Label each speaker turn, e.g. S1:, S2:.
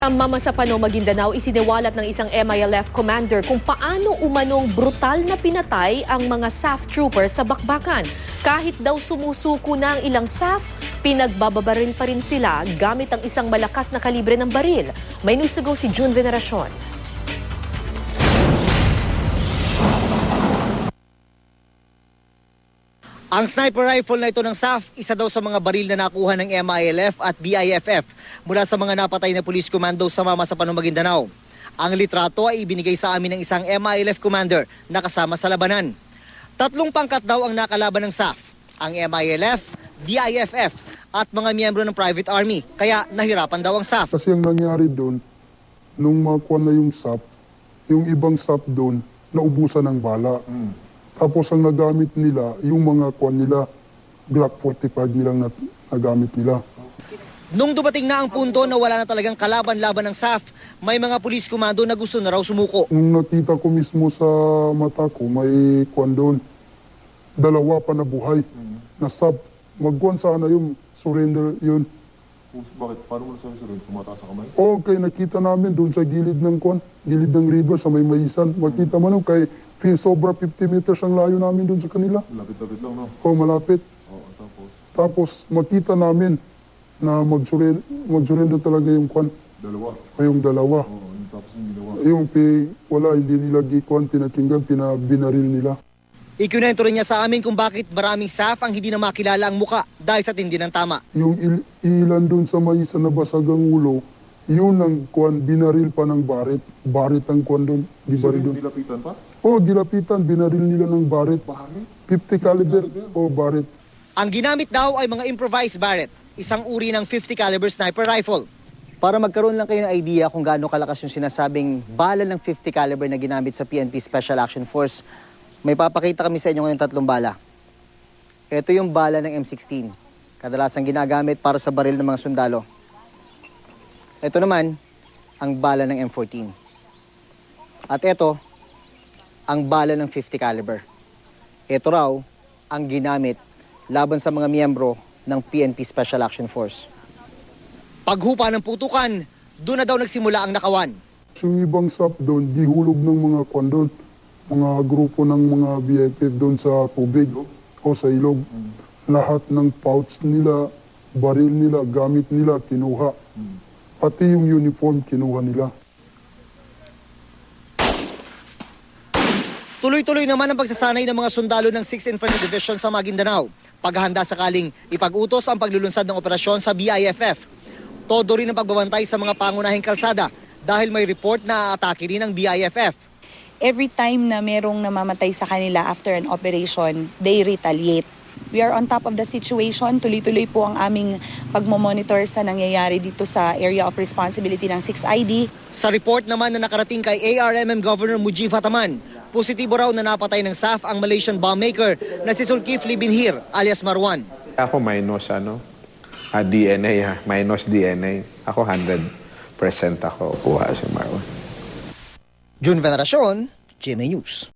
S1: Ang Mamasapano, Maguindanao, isiniwalat ng isang MILF commander kung paano umanong brutal na pinatay ang mga SAF troopers sa bakbakan. Kahit daw sumusuko na ang ilang SAF, pinagbababaril pa rin sila gamit ang isang malakas na kalibre ng baril. May news to go si June Veneracion.
S2: Ang sniper rifle na ito ng SAF, isa daw sa mga baril na nakuha ng MILF at BIFF mula sa mga napatay na police commando sa Mamasapano, Maguindanao. Ang litrato ay ibinigay sa amin ng isang MILF commander na kasama sa labanan. 3 pangkat daw ang nakalaban ng SAF, ang MILF, BIFF at mga miyembro ng private army, kaya nahirapan daw ang SAF.
S3: Kasi ang nangyari doon, nung makuha na yung SAF, yung ibang SAF doon, naubusan ng bala. Tapos ang nagamit nila, yung mga kwan nila, Glock 45 nilang nagamit nila.
S2: Nung dumating na ang punto na wala na talagang kalaban-laban ng SAF, may mga police commando na gusto na raw sumuko.
S3: Nung nakita ko mismo sa mata ko, may kwan doon, 2 pa na buhay. Na SAF, magkuhan sana yung surrender yun.
S4: Bakit? Paano mo nasabi surrender? Tumataas ang kamay?
S3: Okay, nakita namin doon sa gilid ng kwan, gilid ng river sa may maisan. Makita mo nung kay sobra 50 meters ang layo namin doon sa kanila.
S4: Lapit-lapit lang, no?
S3: O malapit.
S4: Oo, tapos?
S3: Tapos makita namin na mag-surrender talaga yung kwan.
S4: 2?
S3: O yung 2.
S4: Oo, tapos yung ginawa.
S3: Yung wala, hindi nila gikuan, pinakinggan, binaril nila.
S2: Ikunento rin niya sa amin kung bakit maraming SAF ang hindi na makilala ang muka dahil sa tindi ng tama.
S3: Yung ilan doon sa may isa na basag ang ulo, yun ang kwan, binaril pa ng barit. Barit ang kwan doon, di baril doon.
S4: Nilapitan pa?
S3: O, gilapitan, binaril nila ng barit.
S4: Barit?
S3: 50 caliber o barit.
S2: Ang ginamit daw ay mga improvised Barrett, isang uri ng 50 caliber sniper rifle. Para magkaroon lang kayo ng idea kung gaano kalakas yung sinasabing bala ng 50 caliber na ginamit sa PNP Special Action Force, may papakita kami sa inyo ngayon 3 bala. Ito yung bala ng M16, kadalasang ginagamit para sa baril ng mga sundalo. Ito naman, ang bala ng M14. At ito, ang bala ng 50 caliber. Ito raw ang ginamit laban sa mga miyembro ng PNP Special Action Force. Paghupa ng putukan, doon na daw nagsimula ang nakawan.
S3: Yung ibang SAP doon, di hulog ng mga kwan doon, mga grupo ng mga BIFF doon sa tubig o sa ilog. Lahat ng pouch nila, baril nila, gamit nila, kinuha. Pati yung uniform, kinuha nila.
S2: Tuloy-tuloy naman ang pagsasanay ng mga sundalo ng 6th Infantry Division sa Maguindanao. Paghahanda sakaling ipag-utos ang paglulunsad ng operasyon sa BIFF. Todo rin ang pagbabantay sa mga pangunahing kalsada dahil may report na aatake rin ng BIFF.
S5: Every time na merong namamatay sa kanila after an operation, they retaliate. We are on top of the situation. Tuloy-tuloy po ang aming pagmomonitor sa nangyayari dito sa area of responsibility ng 6ID.
S2: Sa report naman na nakarating kay ARMM Governor Mujib Hataman, positibo raw na napatay ng SAF ang Malaysian bombmaker na si Zulkifli Binhir alias Marwan.
S6: Ako minus DNA, minus DNA. Ako 100% ako kuha si Marwan.
S2: June Veneracion, GMA News.